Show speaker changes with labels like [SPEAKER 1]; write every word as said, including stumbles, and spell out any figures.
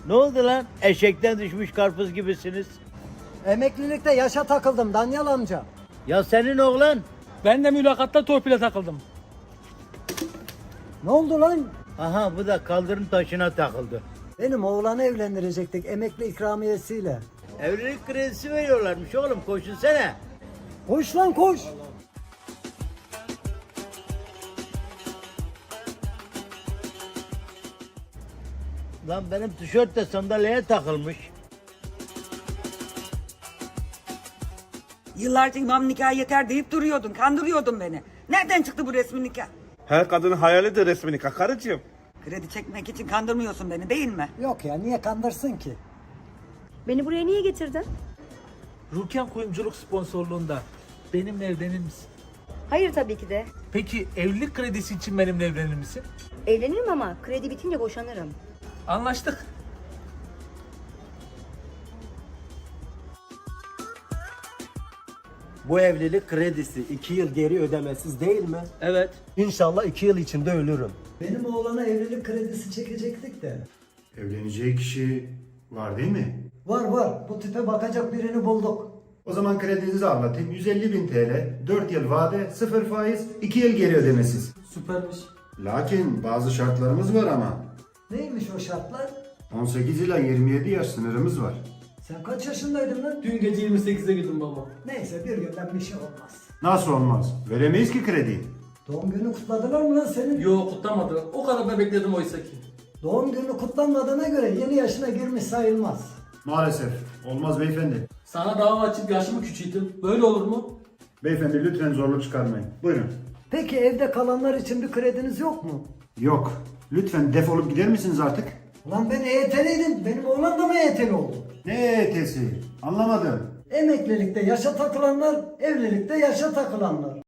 [SPEAKER 1] Ne oldu lan? Eşekten düşmüş karpuz gibisiniz.
[SPEAKER 2] Emeklilikte yaşa takıldım Danyal amca.
[SPEAKER 1] Ya senin oğlan?
[SPEAKER 3] Ben de mülakatta torpile takıldım.
[SPEAKER 2] Ne oldu lan?
[SPEAKER 1] Aha bu da kaldırım taşına takıldı.
[SPEAKER 2] Benim oğlanı evlendirecektik emekli ikramiyesiyle.
[SPEAKER 1] Evlilik kredisi veriyorlarmış oğlum, koşunsana.
[SPEAKER 2] Koş lan koş.
[SPEAKER 1] Lan benim tişört de sandalyeye takılmış.
[SPEAKER 4] Yıllarca imam nikahı yeter deyip duruyordun, kandırıyordun beni. Nereden çıktı bu resmi nikah?
[SPEAKER 5] Her kadının hayalidir resmini karıcığım.
[SPEAKER 4] Kredi çekmek için kandırmıyorsun beni değil mi?
[SPEAKER 2] Yok ya niye kandırsın ki?
[SPEAKER 6] Beni buraya niye getirdin?
[SPEAKER 3] Rurken Kuyumculuk sponsorluğunda benimle evlenir misin?
[SPEAKER 6] Hayır tabii ki de.
[SPEAKER 3] Peki evlilik kredisi için benimle evlenir misin?
[SPEAKER 6] Evlenirim ama kredi bitince boşanırım.
[SPEAKER 3] Anlaştık.
[SPEAKER 7] Bu evlilik kredisi iki yıl geri ödemesiz değil mi?
[SPEAKER 3] Evet.
[SPEAKER 7] İnşallah iki yıl içinde ölürüm.
[SPEAKER 2] Benim oğlana evlilik kredisi çekecektik de.
[SPEAKER 8] Evleneceği kişi var değil mi?
[SPEAKER 2] Var var bu tipe bakacak birini bulduk.
[SPEAKER 8] O zaman kredinizi anlatayım. yüz elli bin T L, dört yıl vade, sıfır faiz, iki yıl geri ödemesiz.
[SPEAKER 3] Süpermiş.
[SPEAKER 8] Lakin bazı şartlarımız var ama.
[SPEAKER 2] Neymiş o şartlar?
[SPEAKER 8] on sekiz ila yirmi yedi yaş sınırımız var.
[SPEAKER 2] Sen kaç yaşındaydın lan?
[SPEAKER 3] Dün gece yirmi sekize girdim baba.
[SPEAKER 2] Neyse bir günden bir şey olmaz.
[SPEAKER 8] Nasıl olmaz? Veremeyiz ki krediyi.
[SPEAKER 2] Doğum günü kutladılar mı lan senin?
[SPEAKER 3] Yo, kutlamadı. O kadar da bekledim oysa ki.
[SPEAKER 2] Doğum günü kutlanmadığına göre yeni yaşına girmiş sayılmaz.
[SPEAKER 8] Maalesef. Olmaz beyefendi.
[SPEAKER 3] Sana dava açıp yaşımı küçülttüm. Böyle olur mu?
[SPEAKER 8] Beyefendi lütfen zorluk çıkarmayın. Buyurun.
[SPEAKER 2] Peki evde kalanlar için bir krediniz yok mu?
[SPEAKER 8] Yok. Lütfen defolup gider misiniz artık?
[SPEAKER 2] Ulan ben E Y T'liydim. Benim oğlan da mı E Y T'li oldu?
[SPEAKER 8] Ne E Y T'si? Anlamadım.
[SPEAKER 2] Emeklilikte yaşa takılanlar, evlilikte yaşa takılanlar.